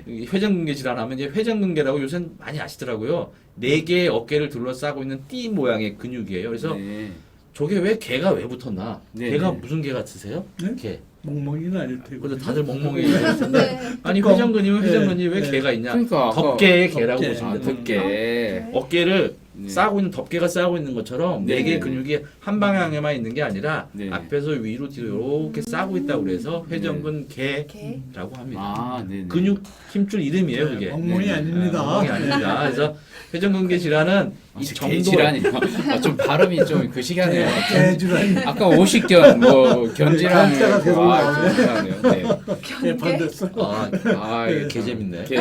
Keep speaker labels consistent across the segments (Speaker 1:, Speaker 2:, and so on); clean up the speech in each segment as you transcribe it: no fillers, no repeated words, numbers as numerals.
Speaker 1: 이 회전근개 질환하면 이제 회전근개라고 요새 많이 아시더라고요. 4개의 어깨를 둘러싸고 있는 띠 모양의 근육이에요. 그래서
Speaker 2: 네.
Speaker 1: 저게 왜 개가 왜 붙었나?
Speaker 2: 네,
Speaker 1: 개가
Speaker 2: 네.
Speaker 1: 무슨 개 같으세요?
Speaker 3: 네?
Speaker 1: 개.
Speaker 3: 멍멍이는 아닐 테고.
Speaker 1: 그래서 다들 멍멍이 얘기하는데
Speaker 4: 네.
Speaker 1: 아니
Speaker 3: 뚜껑.
Speaker 1: 회전근이면 회전근이 왜
Speaker 3: 네.
Speaker 1: 개가 있냐?
Speaker 2: 그러니까 아까
Speaker 1: 덮개의 개라고
Speaker 3: 덮개.
Speaker 1: 보시면
Speaker 2: 아,
Speaker 1: 돼요.
Speaker 2: 덮개.
Speaker 1: 어깨를
Speaker 2: 네.
Speaker 1: 싸고 있는 덮개가 싸고 있는 것처럼
Speaker 2: 네,
Speaker 1: 4개의
Speaker 2: 네.
Speaker 1: 근육이 한 방향에만 있는 게 아니라
Speaker 2: 네.
Speaker 1: 앞에서 위로 뒤로 이렇게 싸고 있다고 그래서 회전근
Speaker 4: 개.
Speaker 1: 개라고 합니다.
Speaker 2: 아, 네.
Speaker 1: 근육 힘줄 이름이에요, 그게.
Speaker 3: 멍멍이
Speaker 2: 네.
Speaker 3: 아닙니다.
Speaker 1: 멍멍이 아닙니다. 그래서 회전근개 질환은 이 정도
Speaker 2: 질환이요. 아, 좀 발음이 좀 그시기하네요.
Speaker 3: 개주라니.
Speaker 2: 아까 오식견 뭐 견질환
Speaker 3: 견자가 계속 나오네.
Speaker 2: 견질환이요. 네.
Speaker 3: 개 반댔어.
Speaker 1: 아, 이게 개 재밌네.
Speaker 2: 개.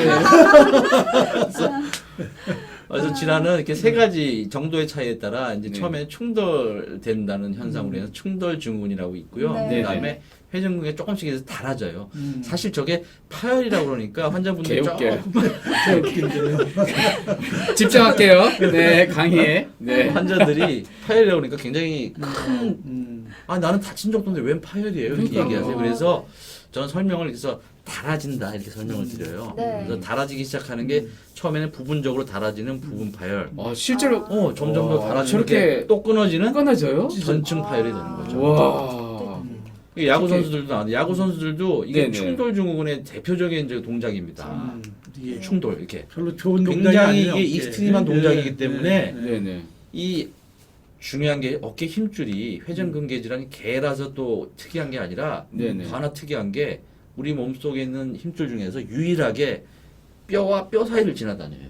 Speaker 1: 그래서 질환은 이렇게 세 가지 정도의 차이에 따라 이제
Speaker 2: 네.
Speaker 1: 처음에 충돌된다는 현상으로 해서 충돌 증후군이라고 있고요.
Speaker 4: 네.
Speaker 1: 그다음에 회전근개 조금씩 해서 달아져요.
Speaker 3: 음.
Speaker 1: 사실 저게 파열이라고 그러니까 환자분들이
Speaker 2: 개웃겨요.
Speaker 1: 조금
Speaker 3: 개 웃긴데요.
Speaker 2: 집중할게요. 네, 강의에. 네.
Speaker 1: 환자들이 파열이라고 그러니까 굉장히 큰
Speaker 3: 음.
Speaker 1: 아 나는 다친 정도인데 웬 파열이에요 이렇게
Speaker 2: 그러니까요.
Speaker 1: 얘기하세요. 그래서 저는 설명을 그래서 달아진다 이렇게 설명을 드려요.
Speaker 4: 네.
Speaker 1: 그래서 달아지기 시작하는 게 처음에는 부분적으로 달아지는 부분 파열.
Speaker 2: 실제로
Speaker 1: 점점 더 달아지는
Speaker 2: 저렇게
Speaker 1: 게 또 끊어지는
Speaker 2: 끊어져요?
Speaker 1: 전층 파열이 되는 거죠.
Speaker 2: 와.
Speaker 1: 이게 야구 선수들도 안 돼. 야구 선수들도 이게
Speaker 2: 네네.
Speaker 1: 충돌 증후군의 대표적인 이제 동작입니다.
Speaker 3: 이게
Speaker 1: 충돌 이렇게
Speaker 3: 별로 좋은 동작이
Speaker 1: 굉장히
Speaker 3: 아니에요.
Speaker 1: 이게 익스트림한 동작이기 때문에
Speaker 2: 네, 네.
Speaker 1: 이 중요한 게 어깨 힘줄이 회전근개 질환이 개라서 또 특이한 게 아니라
Speaker 2: 네네.
Speaker 1: 또 하나 특이한 게 우리 몸속에 있는 힘줄 중에서 유일하게 뼈와 뼈 사이를 지나다녀요.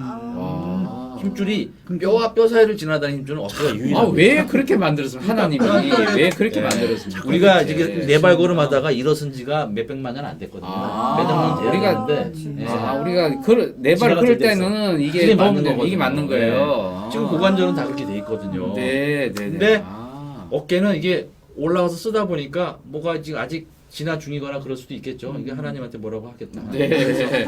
Speaker 2: 와.
Speaker 1: 힘줄이 뼈와 뼈 사이를 지나다니는 힘줄은 어깨가 유일해요.
Speaker 2: 아, 왜 그렇게 만들었습니까? 하나님이 왜 그렇게
Speaker 1: 네.
Speaker 2: 만들었습니까?
Speaker 1: 우리가
Speaker 2: 네.
Speaker 1: 이게 네발걸음하다가 일어선 지가 몇백만 년 안 됐거든요.
Speaker 2: 아,
Speaker 1: 몇백 년
Speaker 2: 우리가-
Speaker 1: 되었는데
Speaker 2: 우리가 네발
Speaker 1: 지나가
Speaker 2: 그럴
Speaker 1: 됐어.
Speaker 2: 때는
Speaker 1: 이게
Speaker 2: 이게
Speaker 1: 맞는
Speaker 2: 너무
Speaker 1: 거거든요.
Speaker 2: 이게 맞는 거예요.
Speaker 1: 지금 고관절은 다 그렇게 돼 있거든요.
Speaker 2: 네, 네, 네.
Speaker 1: 근데
Speaker 2: 아.
Speaker 1: 어깨는 이게 올라가서 쓰다 보니까 뭐가 지금 아직 지나 중이거나 그럴 수도 있겠죠. 이게 하나님한테 뭐라고 하겠다.
Speaker 2: 네.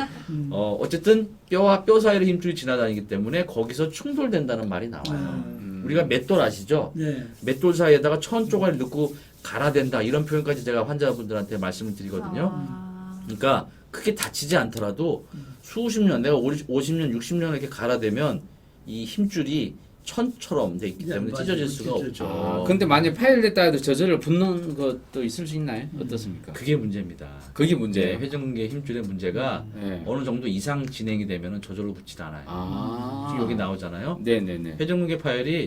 Speaker 1: 어쨌든 뼈와 뼈 사이를 힘줄이 지나다니기 때문에 거기서 충돌된다는 말이 나와요. 우리가 맷돌 아시죠?
Speaker 3: 네.
Speaker 1: 맷돌 사이에다가 천 조각을 넣고 갈아댄다 이런 표현까지 제가 환자분들한테 말씀을 드리거든요. 그러니까 크게 다치지 않더라도 수십 년, 내가 50년, 60년 이렇게 갈아대면 이 힘줄이 천처럼 돼 있기 때문에
Speaker 3: 맞아요.
Speaker 1: 찢어질 수가
Speaker 3: 찢어져.
Speaker 1: 없죠.
Speaker 2: 근데 만약 파열됐다 해도 저절로 붙는 것도 있을 수 있나요? 어떻습니까?
Speaker 1: 그게 문제입니다.
Speaker 2: 그게
Speaker 1: 네,
Speaker 2: 문제예요.
Speaker 1: 회전근개 힘줄의 문제가
Speaker 2: 네.
Speaker 1: 어느 정도 이상 진행이 되면 저절로 붙지도 않아요.
Speaker 2: 아.
Speaker 1: 지금 여기 나오잖아요.
Speaker 2: 네, 네, 네.
Speaker 1: 회전근개 파열이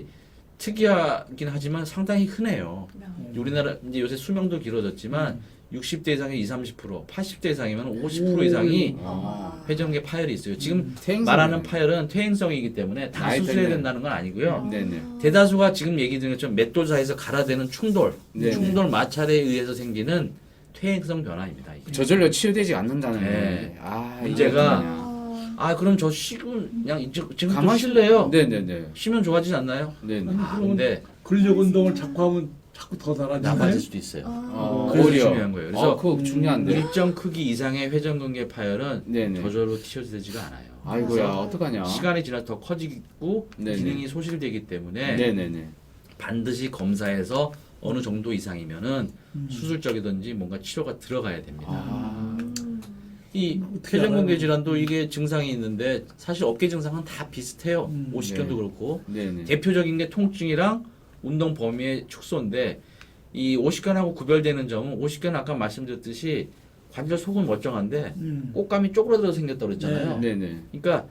Speaker 1: 특이하긴 하지만 상당히 흔해요. 우리나라 이제 요새 수명도 길어졌지만 60대 이상의 20, 30%, 80대 이상이면 50% 이상이 회전근개 파열이 있어요. 지금
Speaker 2: 퇴행성이네.
Speaker 1: 말하는 파열은 퇴행성이기 때문에 다
Speaker 2: 나이
Speaker 1: 수술해야
Speaker 2: 때문에.
Speaker 1: 된다는 건 아니고요.
Speaker 2: 네, 네.
Speaker 1: 대다수가 지금 얘기 드린 것처럼 맷돌 사이에서 갈아대는 충돌,
Speaker 2: 네네.
Speaker 1: 충돌 마찰에 의해서 생기는 퇴행성 변화입니다. 이게.
Speaker 2: 저절로 치유되지 않는다는
Speaker 1: 네.
Speaker 2: 거예요. 아,
Speaker 1: 문제가
Speaker 2: 이게
Speaker 1: 아 그럼 저 쉬고 그냥 지금 좀
Speaker 2: 가만히
Speaker 1: 쉴래요?
Speaker 2: 네, 네, 네.
Speaker 1: 쉬면 좋아지지 않나요?
Speaker 2: 네, 네.
Speaker 1: 아 근데
Speaker 3: 근력 운동을 자꾸 하면 자꾸 더
Speaker 1: 나빠질
Speaker 3: 달아지네.
Speaker 1: 수도 있어요.
Speaker 2: 그래서
Speaker 1: 그래서 중요한 거예요. 그래서
Speaker 2: 그거 중요한데.
Speaker 1: 일정 크기 이상의 회전근개 파열은
Speaker 2: 네네.
Speaker 1: 저절로 치료되지가 않아요.
Speaker 2: 아이고야, 어떡하냐.
Speaker 1: 시간이 지나 더 커지고
Speaker 2: 네네.
Speaker 1: 기능이 소실되기 때문에
Speaker 2: 네, 네, 네.
Speaker 1: 반드시 검사해서 어느 정도 이상이면은 수술적이든지 뭔가 치료가 들어가야 됩니다.
Speaker 2: 아.
Speaker 1: 이
Speaker 3: 어떻게
Speaker 1: 회전근개
Speaker 3: 알아요?
Speaker 1: 질환도 이게 증상이 있는데 사실 어깨 증상은 다 비슷해요. 오십견도
Speaker 2: 네.
Speaker 1: 그렇고
Speaker 2: 네, 네.
Speaker 1: 대표적인 게 통증이랑 운동 범위의 축소인데 이 오십견하고 구별되는 점은 오십견은 아까 말씀드렸듯이 관절 속은 멀쩡한데 꽃감이 쪼그라들어 생겼다고 그랬잖아요.
Speaker 2: 네, 네.
Speaker 1: 그러니까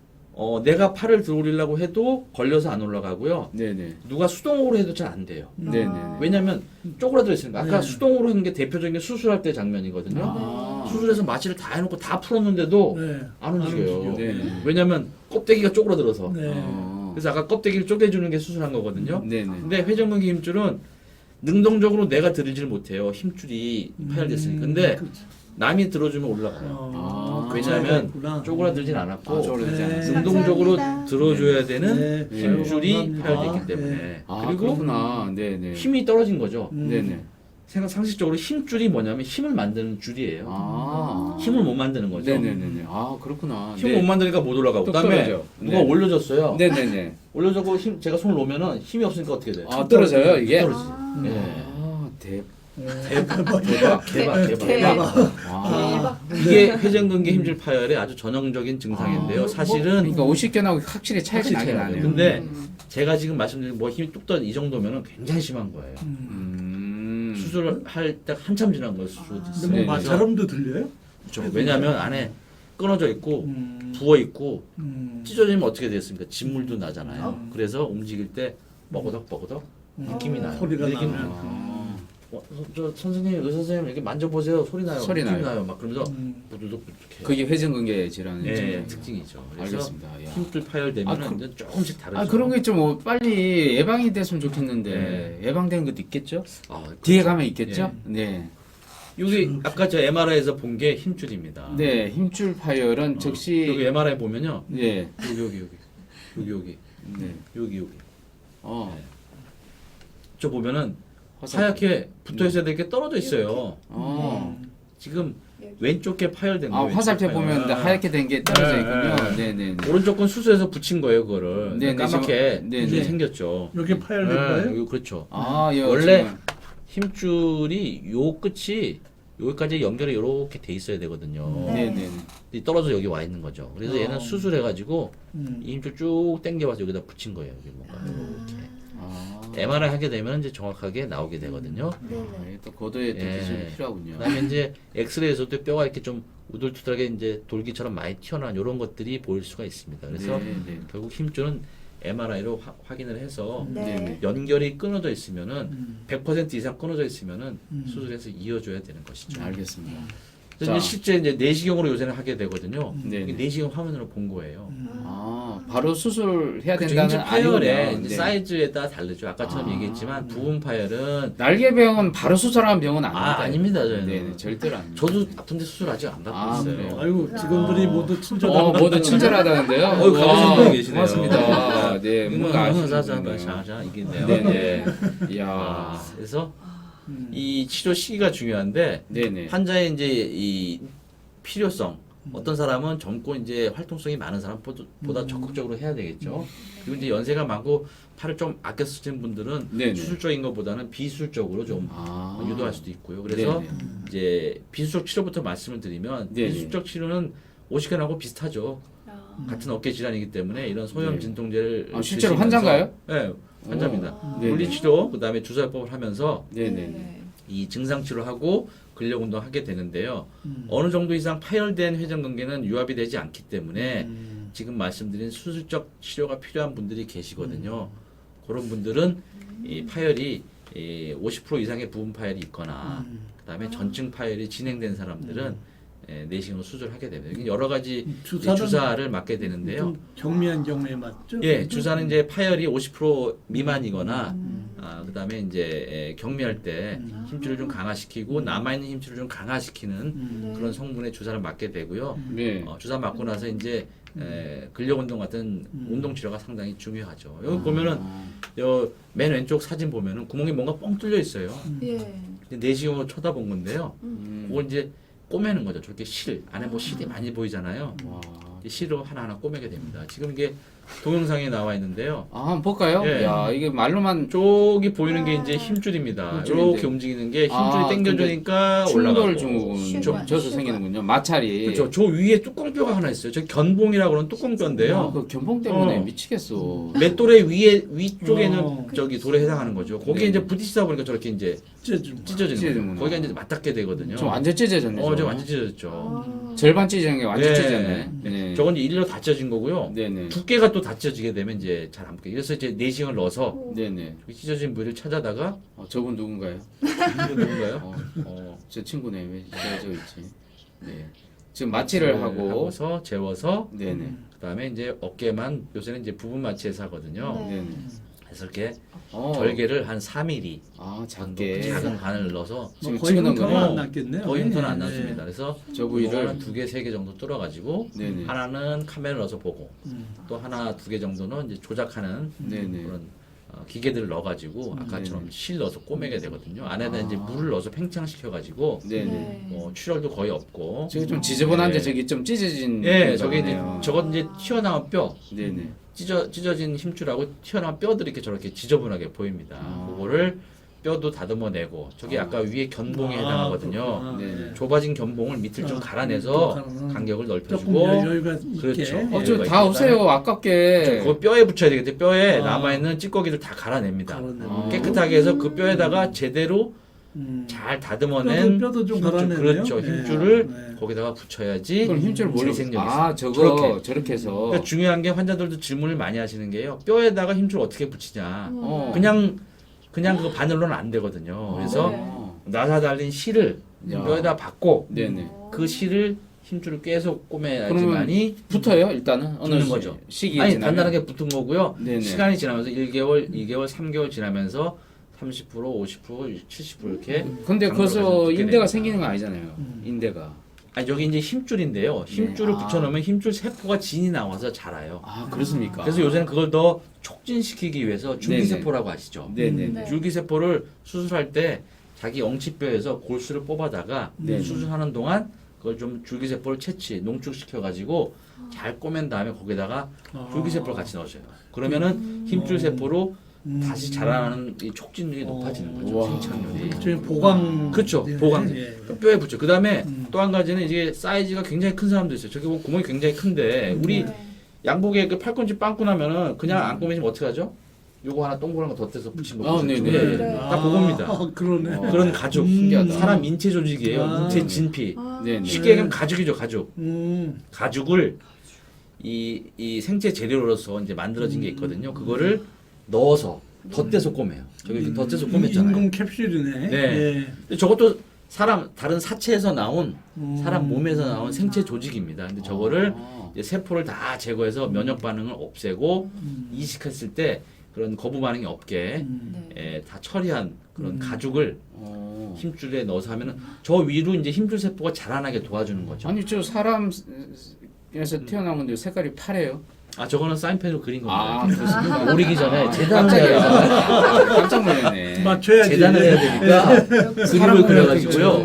Speaker 1: 내가 팔을 들어 올리려고 해도 걸려서 안 올라가고요.
Speaker 2: 네, 네.
Speaker 1: 누가 수동으로 해도 잘 안 돼요.
Speaker 2: 네, 네.
Speaker 1: 왜냐하면 쪼그라들어 있으니까 아까
Speaker 3: 네.
Speaker 1: 수동으로 하는 게 대표적인 게 수술할 때 장면이거든요.
Speaker 2: 아.
Speaker 1: 수술해서 마취를 다 해놓고 다 풀었는데도
Speaker 3: 네.
Speaker 1: 안 움직여요.
Speaker 2: 네, 네.
Speaker 1: 왜냐하면 껍데기가 쪼그라들어서.
Speaker 3: 네.
Speaker 1: 그래서 아까 껍데기를 쪼개주는 게 수술한 거거든요.
Speaker 2: 네, 네.
Speaker 1: 근데 회전근개 힘줄은 능동적으로 내가 들이질 못해요. 힘줄이 파열됐으니까. 근데
Speaker 3: 그렇죠.
Speaker 1: 남이 들어주면 올라가요.
Speaker 2: 아,
Speaker 1: 왜냐하면
Speaker 3: 그렇구나.
Speaker 1: 쪼그라들진 않았고
Speaker 2: 아, 쪼그라들지
Speaker 3: 네.
Speaker 2: 않았어요.
Speaker 1: 능동적으로
Speaker 4: 감사합니다.
Speaker 1: 들어줘야 되는
Speaker 3: 네.
Speaker 1: 힘줄이
Speaker 3: 감사합니다.
Speaker 1: 파열됐기 때문에
Speaker 3: 네.
Speaker 2: 아,
Speaker 1: 그리고
Speaker 2: 그렇구나. 네, 네.
Speaker 1: 힘이 떨어진 거죠.
Speaker 2: 네, 네.
Speaker 1: 상식적으로 힘줄이 뭐냐면 힘을 만드는 줄이에요.
Speaker 2: 아.
Speaker 1: 힘을 못 만드는 거죠.
Speaker 2: 네, 네, 네, 네. 아, 그렇구나.
Speaker 1: 힘을
Speaker 2: 네.
Speaker 1: 못 만드니까 못 올라가고.
Speaker 2: 뚝
Speaker 1: 그다음에
Speaker 2: 떨어져.
Speaker 1: 누가
Speaker 2: 네.
Speaker 1: 올려줬어요.
Speaker 2: 네, 네, 네.
Speaker 1: 올려주고 제가 손을 놓으면은 힘이 없으니까 어떻게 돼요?
Speaker 2: 아, 떨어져요, 이게?
Speaker 1: 떨어지죠. 예.
Speaker 2: 아,
Speaker 1: 대박.
Speaker 2: 와.
Speaker 1: 이게 회전근개 힘줄 파열의 아주 전형적인 증상인데요. 사실은
Speaker 2: 그러니까 50견하고 확실히 차이가
Speaker 1: 확실히
Speaker 2: 나긴
Speaker 1: 차이가
Speaker 2: 나네요.
Speaker 1: 나요. 근데 제가 지금 말씀드린 뭐 힘이 뚝 떨어진 이 정도면은 굉장히 심한 거예요. 수술을 할 때 한참 지난 거예요. 수술.
Speaker 3: 근데 뭐
Speaker 2: 네,
Speaker 3: 마찰음도 들려요?
Speaker 1: 그렇죠. 왜냐하면 안에 끊어져 있고
Speaker 3: 음.
Speaker 1: 부어 있고
Speaker 3: 음.
Speaker 1: 찢어지면 어떻게 됐습니까? 진물도 나잖아요. 그래서 움직일 때 뻐거덕 느낌이 나요.
Speaker 3: 소리가
Speaker 1: 이렇게
Speaker 3: 나면.
Speaker 1: 저 선생님, 의사 선생님 이렇게 만져보세요. 소리 나요.
Speaker 2: 소리
Speaker 1: 느낌
Speaker 2: 나요.
Speaker 1: 막 그러면서
Speaker 3: 음.
Speaker 1: 부두둑부둑해요.
Speaker 2: 그게 회전근개 질환의
Speaker 1: 예,
Speaker 2: 증상이에요.
Speaker 1: 특징이죠. 그래서
Speaker 2: 알겠습니다. 야.
Speaker 1: 힘줄 파열되면
Speaker 2: 아, 그-
Speaker 1: 이제 조금씩 다르죠.
Speaker 2: 아 그런 게 좀 빨리 예방이 됐으면 좋겠는데 예방되는 것도 있겠죠?
Speaker 1: 아,
Speaker 2: 뒤에 가면 있겠죠? 네.
Speaker 1: 여기 아까 저 MRI에서 본 게 힘줄입니다.
Speaker 2: 네, 힘줄 파열은 즉시
Speaker 1: 여기 MRI 보면요.
Speaker 2: 네.
Speaker 1: 여기
Speaker 2: 네.
Speaker 1: 여기.
Speaker 2: 어.
Speaker 1: 저 보면은
Speaker 2: 화상-
Speaker 1: 하얗게 붙어 있어야 될 게 떨어져 있어요.
Speaker 2: 어.
Speaker 1: 지금 왼쪽 게 파열된
Speaker 2: 아,
Speaker 1: 거예요.
Speaker 2: 화살표
Speaker 1: 왼쪽
Speaker 2: 보면
Speaker 1: 파열.
Speaker 2: 하얗게 된 게 떨어져
Speaker 1: 네,
Speaker 2: 있군요.
Speaker 1: 네.
Speaker 2: 네, 네.
Speaker 1: 오른쪽 건 수술해서 붙인 거예요, 그거를.
Speaker 2: 네, 네,
Speaker 1: 까맣게
Speaker 2: 지금- 네,
Speaker 1: 줄이
Speaker 2: 네.
Speaker 1: 생겼죠.
Speaker 3: 여기 파열된 거예요?
Speaker 1: 여기 그렇죠.
Speaker 2: 아, 예.
Speaker 1: 원래
Speaker 2: 지금-
Speaker 1: 힘줄이 요 끝이 여기까지 연결이 이렇게 돼 있어야 되거든요.
Speaker 2: 네, 네.
Speaker 1: 이 떨어져 여기 와 있는 거죠. 그래서 얘는 수술해가지고 이 힘줄 쭉 당겨와서 여기다 붙인 거예요. 여기 뭔가 이렇게.
Speaker 2: 아.
Speaker 1: MRI 하게 되면 이제 정확하게 나오게 되거든요.
Speaker 2: 아, 예, 또 고도의 또
Speaker 1: 예.
Speaker 2: 기술이 필요하군요.
Speaker 1: 그다음에 이제 엑스레이에서도 뼈가 이렇게 좀 우둘투둘하게 이제 돌기처럼 많이 튀어나온 이런 것들이 보일 수가 있습니다. 그래서
Speaker 2: 네, 네.
Speaker 1: 결국 힘줄은 MRI로 확인을 해서
Speaker 2: 네, 네.
Speaker 1: 연결이 끊어져 있으면은 100% 이상 끊어져 있으면은 수술해서 이어줘야 되는 것이죠.
Speaker 2: 알겠습니다.
Speaker 1: 그래서
Speaker 2: 자.
Speaker 1: 이제 실제 이제 내시경으로 요새는 하게 되거든요.
Speaker 2: 네,
Speaker 1: 이게
Speaker 2: 네.
Speaker 1: 내시경 화면으로 본 거예요.
Speaker 2: 아, 바로 수술해야
Speaker 1: 그쵸,
Speaker 2: 된다는
Speaker 1: 힘줄 파열의
Speaker 2: 아니군요.
Speaker 1: 이제
Speaker 2: 네.
Speaker 1: 사이즈에 따라 다르죠. 아까처럼
Speaker 2: 아.
Speaker 1: 얘기했지만 부분 파열은
Speaker 2: 날개병은 바로 수술하는 병은 아닙니다.
Speaker 1: 아닙니다, 저희는.
Speaker 2: 네, 네, 절대로 아닙니다.
Speaker 1: 저도 아픈데 수술 아직 안 받고
Speaker 2: 아,
Speaker 1: 있어요.
Speaker 2: 그래요?
Speaker 3: 아이고 직원들이 모두 친절하고
Speaker 2: 모두 친절하다는데요.
Speaker 1: 가보신 분 계시네요.
Speaker 2: 고맙습니다. 네, 뭔가 아시는
Speaker 1: 자자
Speaker 2: 분이네요.
Speaker 1: 자자 이게네요.
Speaker 2: 네, 네. 이야.
Speaker 1: 아, 그래서 이 치료 시기가 중요한데
Speaker 2: 네, 네.
Speaker 1: 환자의 이제 이 필요성 어떤 사람은 젊고 이제 활동성이 많은 사람보다 적극적으로 해야 되겠죠. 그리고 이제 연세가 많고 팔을 좀 아껴 쓰시는 분들은
Speaker 2: 네네.
Speaker 1: 수술적인 것보다는 비수술적으로 좀
Speaker 2: 아.
Speaker 1: 유도할 수도 있고요. 그래서
Speaker 2: 네네.
Speaker 1: 이제 비수술 치료부터 말씀을 드리면
Speaker 2: 네네.
Speaker 1: 비수술적 치료는 오시견하고 비슷하죠. 같은 어깨 질환이기 때문에 이런 소염
Speaker 2: 네.
Speaker 1: 진통제를
Speaker 2: 아, 실제로
Speaker 1: 드시면서-
Speaker 2: 환자인가요?
Speaker 1: 네, 환자입니다.
Speaker 2: 네네.
Speaker 1: 물리치료 그다음에 주사요법을 하면서
Speaker 2: 네, 네, 네.
Speaker 1: 이 증상 치료하고 근력 운동 하게 되는데요. 어느 정도 이상 파열된 회전근개는 유압이 되지 않기 때문에 지금 말씀드린 수술적 치료가 필요한 분들이 계시거든요. 그런 분들은 이 파열이 50% 이상의 부분 파열이 있거나 그다음에 전증 파열이 진행된 사람들은 내시경으로 수술하게 됩니다. 이게 여러 가지
Speaker 3: 주사는
Speaker 1: 주사를 맞게 되는데요.
Speaker 3: 좀 경미한 경우에 맞죠?
Speaker 1: 예, 주사는 이제 파열이 50% 미만이거나 그다음에 이제 경미할 때 힘줄을 좀 강화시키고 남아 있는 힘줄을 좀 강화시키는 그런 성분의 주사를 맞게 되고요.
Speaker 2: 네.
Speaker 1: 주사 맞고 나서 이제 근력 운동 같은 운동 치료가 상당히 중요하죠. 여기 보면은 맨 왼쪽 사진 보면은 구멍이 뭔가 뻥 뚫려 있어요. 내시경으로 쳐다본 건데요. 그걸 이제 꼬매는 거죠. 저렇게 안에 뭐 실이 많이 보이잖아요.
Speaker 2: 와.
Speaker 1: 이 실로 하나하나 꼬매게 됩니다. 지금 이게 동영상에 나와 있는데요.
Speaker 2: 아, 한번 볼까요?
Speaker 1: 예.
Speaker 2: 야, 이게 말로만
Speaker 1: 쪽이 보이는 게 이제 힘줄입니다.
Speaker 2: 힘줄인데.
Speaker 1: 이렇게 움직이는 게 힘줄이
Speaker 2: 아,
Speaker 1: 당겨주니까
Speaker 2: 충돌
Speaker 1: 올라가고.
Speaker 2: 증후군
Speaker 1: 좀-
Speaker 2: 져서 생기는군요. 마찰이.
Speaker 1: 그렇죠. 저 위에 뚜껑뼈가 하나 있어요. 저 견봉이라고 그러는 뚜껑뼈인데요.
Speaker 2: 아, 그 견봉 때문에
Speaker 1: 어.
Speaker 2: 미치겠어.
Speaker 1: 맷돌의 위쪽에는
Speaker 3: 어.
Speaker 1: 저기 돌에 해당하는 거죠. 거기에
Speaker 2: 네.
Speaker 1: 이제 부딪히다 보니까 저렇게 이제 찢어지는
Speaker 2: 찢어지는구나.
Speaker 1: 거예요. 거기가 이제 맞닿게 되거든요.
Speaker 2: 좀 완전 찢어졌네.
Speaker 1: 저
Speaker 2: 저거.
Speaker 1: 완전 찢어졌죠.
Speaker 2: 절반 찢어진 게 완전
Speaker 1: 네.
Speaker 2: 찢어졌네. 네.
Speaker 1: 저건 이제 일로 다 찢어진 거고요.
Speaker 2: 네네.
Speaker 1: 두께가 또 다 찢어지게 되면 이제 잘 안 붙게. 그래서 이제 내시경을 넣어서
Speaker 2: 네네.
Speaker 1: 저기 찢어진 부위를 찾아다가
Speaker 2: 저분 누군가요?
Speaker 1: 이거 누군가요?
Speaker 2: 저 친구네. 왜 찢어져 있지? 네. 지금 마취를 하고.
Speaker 1: 하고서 재워서
Speaker 2: 네네.
Speaker 1: 그다음에 이제 어깨만 요새는 이제 부분 마취해서 하거든요.
Speaker 2: 네네.
Speaker 1: 그래서 이렇게
Speaker 2: 어.
Speaker 1: 절개를 한 3mm
Speaker 2: 아,
Speaker 1: 정도
Speaker 2: 작게.
Speaker 1: 작은 바늘 넣어서
Speaker 2: 지금
Speaker 3: 거의
Speaker 2: 찍어놓은
Speaker 3: 흉터는
Speaker 2: 거예요?
Speaker 3: 안 났겠네요.
Speaker 1: 거의 흉터는 안
Speaker 3: 네.
Speaker 1: 났습니다. 그래서
Speaker 2: 저 부위를.
Speaker 1: 이거는 2개, 3개 정도 뚫어가지고
Speaker 2: 네네.
Speaker 1: 하나는 카메라를 넣어서 보고 또 하나, 2개 정도는 이제 조작하는
Speaker 2: 네네.
Speaker 1: 그런 기계들을 넣어가지고 아까처럼 실 넣어서 꼬매게 되거든요. 안에다 이제 물을 넣어서 팽창시켜가지고
Speaker 2: 네네.
Speaker 1: 출혈도 거의 없고.
Speaker 2: 저기 좀 지저분한데 저기 좀 찢어진.
Speaker 1: 예, 저게 이제
Speaker 2: 거네요.
Speaker 1: 저건 이제 튀어나온 뼈,
Speaker 2: 네네.
Speaker 1: 찢어진 힘줄하고 튀어나온 뼈들이 이렇게 저렇게 지저분하게 보입니다. 그거를 뼈도 다듬어내고 저게 아까 위에 견봉에 해당하거든요.
Speaker 3: 그렇구나.
Speaker 2: 네.
Speaker 1: 좁아진 견봉을 밑을 좀
Speaker 3: 아,
Speaker 1: 갈아내서
Speaker 3: 또
Speaker 1: 간격을
Speaker 3: 조금
Speaker 1: 넓혀주고
Speaker 3: 여유가 있게.
Speaker 1: 그렇죠.
Speaker 2: 어,
Speaker 1: 예.
Speaker 2: 저 다 없어요. 아깝게.
Speaker 1: 그 뼈에 붙여야 되겠대. 뼈에
Speaker 3: 아.
Speaker 1: 남아있는 찌꺼기를 다 갈아냅니다.
Speaker 3: 갈아내고.
Speaker 1: 깨끗하게 해서 그 뼈에다가 제대로
Speaker 3: 음.
Speaker 1: 잘 다듬어낸
Speaker 3: 뼈도 좀
Speaker 1: 힘줄,
Speaker 3: 갈아내네요.
Speaker 1: 그렇죠.
Speaker 3: 네.
Speaker 1: 힘줄을
Speaker 3: 네.
Speaker 1: 거기다가 붙여야지
Speaker 2: 그럼 힘줄 뭘로?
Speaker 1: 재생력이 있어요.
Speaker 2: 아, 저거
Speaker 1: 저렇게.
Speaker 2: 해서.
Speaker 1: 그러니까 중요한 게 환자들도 질문을 많이 하시는 게요. 뼈에다가 힘줄 어떻게 붙이냐.
Speaker 2: 어.
Speaker 1: 그냥 그거 바늘로는 안 되거든요. 그래서
Speaker 2: 어.
Speaker 1: 나사 달린 실을
Speaker 2: 야.
Speaker 1: 뼈에다 받고
Speaker 2: 네네.
Speaker 1: 그 실을 힘줄을 계속 꼬매야지만이
Speaker 2: 붙어요 일단은 어느
Speaker 1: 붙는 거죠.
Speaker 2: 시기에
Speaker 1: 아니
Speaker 2: 지나면?
Speaker 1: 단단하게 붙은 거고요.
Speaker 2: 네네.
Speaker 1: 시간이 지나면서 1개월, 2개월, 3개월 지나면서 30%, 50%, 70% 이렇게.
Speaker 2: 근데
Speaker 1: 강도가
Speaker 2: 거기서
Speaker 1: 좀 붙게
Speaker 2: 인대가
Speaker 1: 됩니다.
Speaker 2: 생기는 거 아니잖아요. 인대가.
Speaker 1: 아니 여기 이제 힘줄인데요. 힘줄을
Speaker 2: 네.
Speaker 1: 붙여놓으면 힘줄 세포가 진이 나와서 자라요.
Speaker 2: 아 그렇습니까?
Speaker 1: 그래서 요새는 그걸 더 촉진시키기 위해서 줄기세포라고 아시죠?
Speaker 2: 네네.
Speaker 4: 네.
Speaker 1: 줄기세포를 수술할 때 자기 엉치뼈에서 골수를 뽑아다가
Speaker 2: 네.
Speaker 1: 수술하는 동안 그걸 좀 줄기세포를 농축시켜가지고 잘 꼬맨 다음에 거기다가 줄기세포를 같이 넣으셔요. 그러면은 힘줄세포로 다시 자라나는 이 촉진율이 높아지는 거죠.
Speaker 2: 우와.
Speaker 1: 생착률이.
Speaker 3: 지금 보강.
Speaker 1: 그렇죠.
Speaker 3: 예.
Speaker 1: 보강.
Speaker 3: 예.
Speaker 1: 그 뼈에 붙죠. 그 다음에
Speaker 3: 음.
Speaker 1: 또 한 가지는 이게 사이즈가 굉장히 큰 사람도 있어요. 저기 보면 구멍이 굉장히 큰데 우리 양복에 그 팔꿈치 빵꾸 나면은 그냥 안 꼬매시면 어떻게 하죠? 요거 하나 동그란 거 덧대서 붙이는 거.
Speaker 2: 아,
Speaker 1: 보셨죠?
Speaker 2: 네네.
Speaker 1: 예, 예.
Speaker 4: 네.
Speaker 1: 딱 그겁니다.
Speaker 3: 그러네.
Speaker 1: 그런 가죽.
Speaker 2: 신기하다.
Speaker 1: 사람 인체 조직이에요.
Speaker 3: 아.
Speaker 1: 인체 진피.
Speaker 2: 네네.
Speaker 1: 쉽게 얘기하면 가죽이죠, 가죽.
Speaker 3: 음.
Speaker 1: 가죽을 이 생체 재료로서 이제 만들어진 게 있거든요. 그거를 넣어서 덧대서 꼬매요. 저기 이렇게 덧대서 꼬맸잖아요.
Speaker 3: 인공 캡슐이네.
Speaker 1: 네.
Speaker 3: 예.
Speaker 1: 근데 저것도 다른 사체에서 나온 사람
Speaker 3: 음.
Speaker 1: 몸에서 나온 생체 조직입니다. 근데 저거를
Speaker 2: 아.
Speaker 1: 이제 세포를 다 제거해서 면역 반응을 없애고
Speaker 3: 음.
Speaker 1: 이식했을 때 그런 거부 반응이 없게
Speaker 3: 음.
Speaker 1: 다 처리한 그런 가죽을
Speaker 2: 어.
Speaker 1: 힘줄에 넣어서 하면은 저 위로 이제 힘줄 세포가 자라나게 도와주는 거죠.
Speaker 2: 아니 저 사람에서 태어난 건데 색깔이 파래요?
Speaker 1: 아 저거는 사인펜으로 그린
Speaker 2: 아
Speaker 1: 겁니다.
Speaker 2: 그렇습니까?
Speaker 1: 오리기 전에 재단을
Speaker 2: 깜짝이야.
Speaker 1: 해야 돼요.
Speaker 2: 깜짝 놀랐네.
Speaker 3: 맞춰야지.
Speaker 1: 재단을 해야 되니까 그림을
Speaker 2: 사람을
Speaker 1: 그려가지고요.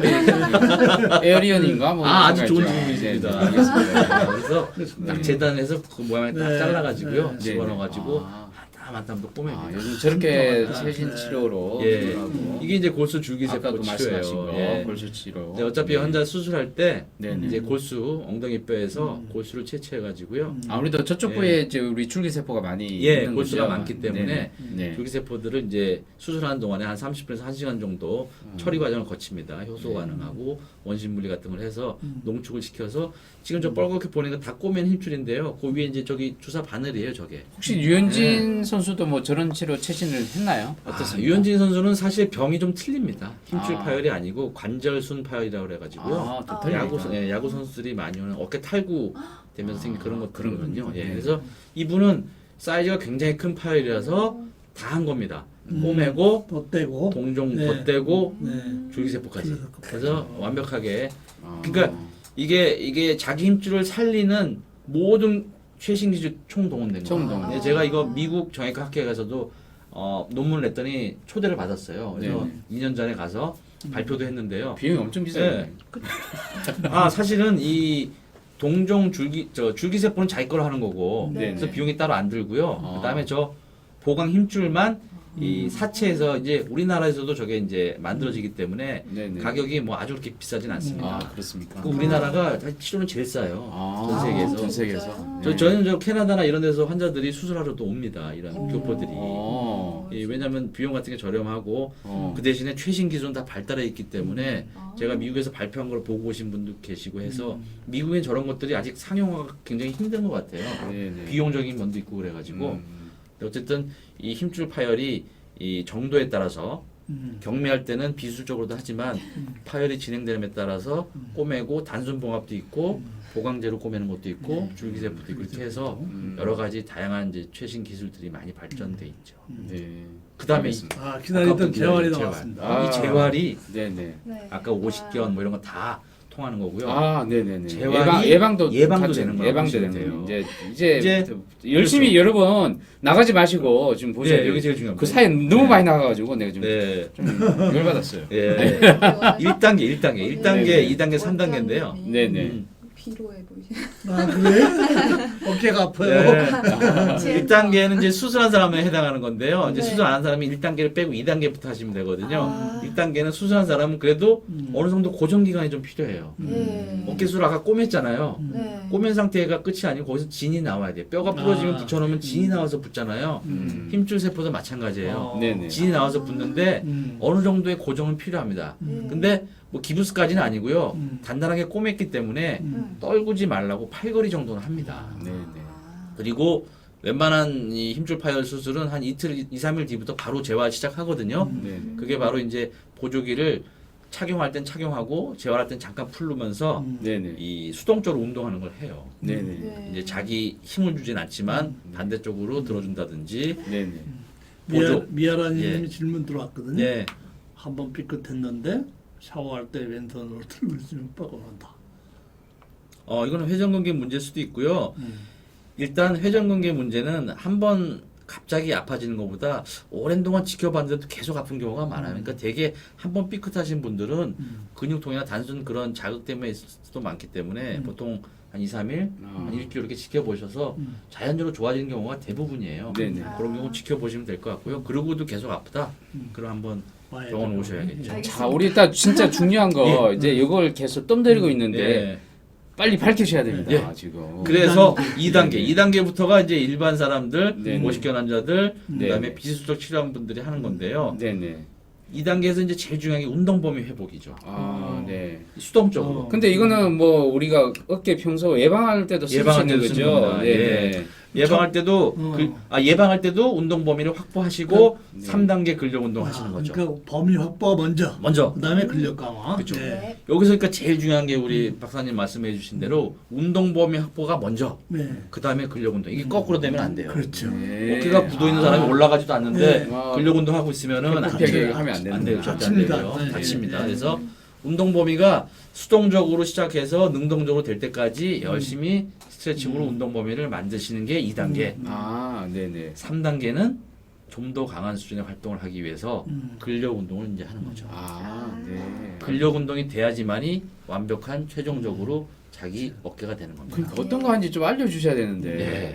Speaker 2: 에어리언인가 뭐
Speaker 1: 아 아주 좋은
Speaker 2: 생각했죠.
Speaker 1: 질문이십니다.
Speaker 2: 네, 네, 알겠습니다.
Speaker 1: 그래서 딱 재단해서 그 모양을 딱
Speaker 3: 네.
Speaker 1: 잘라가지고요.
Speaker 3: 네.
Speaker 1: 집어넣어가지고
Speaker 2: 아.
Speaker 1: 한 땀 또 꼬매요.
Speaker 2: 아, 요즘 저렇게
Speaker 3: 아,
Speaker 2: 최신
Speaker 3: 네.
Speaker 2: 치료로
Speaker 1: 예.
Speaker 2: 하고
Speaker 1: 이게 이제 골수
Speaker 2: 아까도
Speaker 1: 줄기세포
Speaker 2: 말씀하신
Speaker 1: 치료예요.
Speaker 2: 거
Speaker 1: 예.
Speaker 2: 골수 치료.
Speaker 1: 근데 어차피
Speaker 2: 네.
Speaker 1: 환자 수술할 때
Speaker 2: 네네.
Speaker 1: 이제 골수 엉덩이 뼈에서 골수를 채취해가지고요.
Speaker 2: 아무래도 저쪽
Speaker 1: 예.
Speaker 2: 부위에 이제 우리 줄기세포가 많이
Speaker 1: 예,
Speaker 2: 있는
Speaker 1: 골수가
Speaker 2: 거죠?
Speaker 1: 많기 때문에
Speaker 2: 네네. 네.
Speaker 1: 줄기세포들을 이제 수술하는 동안에 한 30분에서 1시간 정도 처리 과정을 거칩니다. 효소 반응하고 원심물리 같은 걸 해서 농축을 시켜서 지금 저 뻘겋게 보는 거 다 꼬맨 힘줄인데요. 그 위에 이제 저기 주사 바늘이에요, 저게.
Speaker 2: 혹시 유현진 선수도 뭐 저런 치료 최신을 했나요? 어떻습니까?
Speaker 1: 유현진 선수는 사실 병이 좀 틀립니다. 힘줄
Speaker 2: 아.
Speaker 1: 파열이 아니고 관절순 파열이라고 그래가지고요.
Speaker 2: 아, 또
Speaker 1: 야구,
Speaker 2: 틀리니까.
Speaker 1: 야구 선수들이 많이 오는 어깨 탈구 되면서 생긴 그런 것들이거든요. 예,
Speaker 2: 네.
Speaker 1: 그래서 이분은 사이즈가 굉장히 큰 파열이라서 다 한 겁니다. 꼬매고
Speaker 3: 덧대고.
Speaker 1: 동종
Speaker 3: 네.
Speaker 1: 덧대고
Speaker 3: 네.
Speaker 1: 줄기세포까지.
Speaker 3: 줄기세포까지.
Speaker 1: 그래서 완벽하게
Speaker 2: 아.
Speaker 1: 그러니까 이게 자기 힘줄을 살리는 모든 최신 기술 총동원된 거예요.
Speaker 2: 총동원.
Speaker 1: 네, 제가 이거 미국 정형외과 학회에 가서도 논문을 냈더니 초대를 받았어요. 그래서
Speaker 2: 네네.
Speaker 1: 2년 전에 가서 발표도 했는데요.
Speaker 2: 비용이 엄청 비싸요.
Speaker 1: 네. 사실은 이 동종 줄기세포는 자기 거로 하는 거고
Speaker 2: 네.
Speaker 1: 그래서 비용이 따로 안 들고요.
Speaker 2: 아.
Speaker 1: 그다음에 저 보강 힘줄만 이 사체에서 이제 우리나라에서도 저게 이제 만들어지기 때문에
Speaker 2: 네네.
Speaker 1: 가격이 뭐 아주 그렇게 비싸진 않습니다.
Speaker 2: 아 그렇습니까?
Speaker 1: 그 우리나라가 사실 치료는 제일 싸요.
Speaker 2: 아,
Speaker 1: 전 세계에서.
Speaker 2: 전 세계에서.
Speaker 4: 진짜요?
Speaker 2: 네.
Speaker 1: 저희는 저 캐나다나 이런 데서 환자들이 수술하러 또 옵니다. 이런 교포들이.
Speaker 2: 어.
Speaker 1: 왜냐하면 비용 같은 게 저렴하고
Speaker 2: 어.
Speaker 1: 그 대신에 최신 기술은 다 발달해 있기 때문에
Speaker 4: 아.
Speaker 1: 제가 미국에서 발표한 걸 보고 오신 분도 계시고 해서 미국엔 저런 것들이 아직 상용화가 굉장히 힘든 것 같아요.
Speaker 2: 네네.
Speaker 1: 비용적인 면도 있고 그래가지고
Speaker 2: 음.
Speaker 1: 근데 어쨌든 이 힘줄 파열이 이 정도에 따라서 경미할 때는 비술적으로도 하지만 파열이 진행됨에 따라서 꼬매고 단순 봉합도 있고 보강제로 꼬매는 것도 있고 줄기세포도 있고 이렇게 해서 여러 가지 다양한 이제 최신 기술들이 많이 발전돼 있죠.
Speaker 2: 네.
Speaker 1: 그다음에
Speaker 2: 알겠습니다.
Speaker 3: 아, 기다리던 재활이
Speaker 1: 재활.
Speaker 3: 나왔습니다.
Speaker 2: 아.
Speaker 1: 이 재활이
Speaker 2: 네네.
Speaker 4: 네.
Speaker 1: 아까 오십견 뭐 이런 거 다 통하는 거고요.
Speaker 2: 아, 네네네.
Speaker 1: 재활이
Speaker 2: 예방도
Speaker 1: 예방도
Speaker 2: 다
Speaker 1: 되는 거라고
Speaker 2: 예방도
Speaker 1: 보시면
Speaker 2: 되는
Speaker 1: 돼요.
Speaker 2: 거예요. 이제
Speaker 1: 이제
Speaker 2: 열심히
Speaker 1: 그렇죠.
Speaker 2: 여러분 나가지 마시고 지금 보세요.
Speaker 1: 네, 여기 제일 중요합니다.
Speaker 2: 그 사이에 너무 많이 나가가지고 내가 좀
Speaker 1: 네.
Speaker 2: 열받았어요.
Speaker 1: 예. 1단계, 1단계, 1단계,
Speaker 2: 네.
Speaker 1: 2단계, 3단계인데요.
Speaker 2: 네네.
Speaker 4: 피로해 보이시네.
Speaker 3: 아 그래? 어깨가 아파요.
Speaker 1: 네. 1단계는 이제 수술한 사람에 해당하는 건데요. 이제
Speaker 4: 네.
Speaker 1: 수술 안 한 사람이 1단계를 빼고 2단계부터 하시면 되거든요.
Speaker 4: 아.
Speaker 1: 1단계는 수술한 사람은 그래도 어느 정도 고정 기간이 좀 필요해요.
Speaker 4: 네.
Speaker 1: 어깨 수술 아까 꼬맸잖아요.
Speaker 4: 네.
Speaker 1: 꼬맨 상태가 끝이 아니고 거기서 진이 나와야 돼요. 뼈가 부러지면 붙여놓으면 진이 나와서 붙잖아요. 힘줄 세포도 마찬가지예요.
Speaker 2: 네네.
Speaker 1: 진이 나와서 붙는데 어느 정도의 고정은 필요합니다. 근데 뭐 기부스까지는 아니고요. 단단하게 꼬맸기 때문에 떨구지 말라고 팔걸이 정도는 합니다.
Speaker 2: 네네.
Speaker 1: 그리고 웬만한 이 힘줄 파열 수술은 한 이틀, 2, 3일 뒤부터 바로 재활 시작하거든요.
Speaker 2: 네네.
Speaker 1: 그게 바로 이제 보조기를 착용할 땐 착용하고 재활할 땐 잠깐 풀르면서
Speaker 2: 네네.
Speaker 1: 이 수동적으로 운동하는 걸 해요.
Speaker 2: 네네.
Speaker 4: 네.
Speaker 1: 이제 자기 힘을 주진 않지만 반대쪽으로 들어준다든지.
Speaker 2: 네네.
Speaker 1: 보조.
Speaker 3: 미아라님이
Speaker 1: 예.
Speaker 3: 질문 들어왔거든요.
Speaker 1: 네.
Speaker 3: 한번 삐끗했는데 샤워할 때 왼손으로 들고 있으면 뻐근한다.
Speaker 1: 이거는 회전근개 문제일 수도 있고요. 일단 회전근개 문제는 한번 갑자기 아파지는 것보다 오랜 동안 지켜봤는데도 계속 아픈 경우가 많아요. 그러니까 되게 한번 삐끗하신 분들은 근육통이나 단순 그런 자극 때문에 있을 수도 많기 때문에 보통 한 2, 3일, 한 일주일 이렇게 지켜보셔서 자연적으로 좋아지는 경우가 대부분이에요.
Speaker 2: 네네.
Speaker 1: 그런 경우 지켜보시면 될 것 같고요. 그러고도 계속 아프다? 그럼 한번
Speaker 3: 와야
Speaker 1: 병원
Speaker 3: 되고.
Speaker 1: 오셔야겠죠.
Speaker 4: 알겠습니다.
Speaker 2: 자, 우리 딱 진짜 중요한 거 이제 이걸 계속 떠들고 있는데
Speaker 1: 예.
Speaker 2: 빨리 밝히셔야 됩니다.
Speaker 1: 예.
Speaker 2: 지금.
Speaker 1: 그래서 2단계,
Speaker 2: 네.
Speaker 1: 2단계부터가 이제 일반 사람들,
Speaker 2: 네.
Speaker 1: 모식견 환자들, 그다음에
Speaker 2: 네.
Speaker 1: 비수술 치료한 분들이 하는 건데요.
Speaker 2: 네네.
Speaker 1: 2단계에서 이제 제일 중요한 게 운동 범위 회복이죠.
Speaker 2: 아, 네.
Speaker 1: 수동적으로.
Speaker 2: 근데 이거는 뭐 우리가 어깨 평소 예방할 때도 쓸 수
Speaker 1: 예방할
Speaker 2: 있는
Speaker 1: 때도
Speaker 2: 거죠.
Speaker 1: 씁니다.
Speaker 2: 네.
Speaker 1: 예방할 때도 예방할 때도 운동 범위를 확보하시고
Speaker 2: 네.
Speaker 1: 3단계 근력 운동 하시는 거죠.
Speaker 3: 그러니까 범위 확보가 먼저.
Speaker 1: 먼저.
Speaker 3: 그다음에 근력 강화.
Speaker 1: 그쵸.
Speaker 3: 네.
Speaker 1: 여기서 그러니까 제일 중요한 게 우리 박사님 말씀해 주신 대로 운동 범위 확보가 먼저.
Speaker 3: 네.
Speaker 1: 그다음에 근력 운동. 이게 거꾸로 되면 안 돼요.
Speaker 3: 그렇죠.
Speaker 2: 네.
Speaker 1: 어깨가 굳어 있는 사람이 올라가지도 않는데
Speaker 2: 네.
Speaker 1: 근력 운동 하고 있으면은 안
Speaker 2: 팽팽하게
Speaker 1: 돼요.
Speaker 2: 하면 안 되는
Speaker 1: 안 돼요.
Speaker 2: 거야.
Speaker 1: 절대 안
Speaker 3: 다칩니다.
Speaker 1: 돼요.
Speaker 3: 네.
Speaker 1: 다칩니다.
Speaker 3: 네.
Speaker 1: 그래서 운동 범위가 수동적으로 시작해서 능동적으로 될 때까지 열심히 스트레칭으로 운동 범위를 만드시는 게 2단계.
Speaker 2: 아, 네네.
Speaker 1: 3단계는 좀 더 강한 수준의 활동을 하기 위해서 근력 운동을 이제 하는 거죠.
Speaker 2: 아, 네.
Speaker 1: 근력 운동이 돼야지만이 완벽한 최종적으로 자기 어깨가 되는 겁니다.
Speaker 2: 그러니까 어떤 거 하는지 좀 알려주셔야 되는데.
Speaker 1: 네.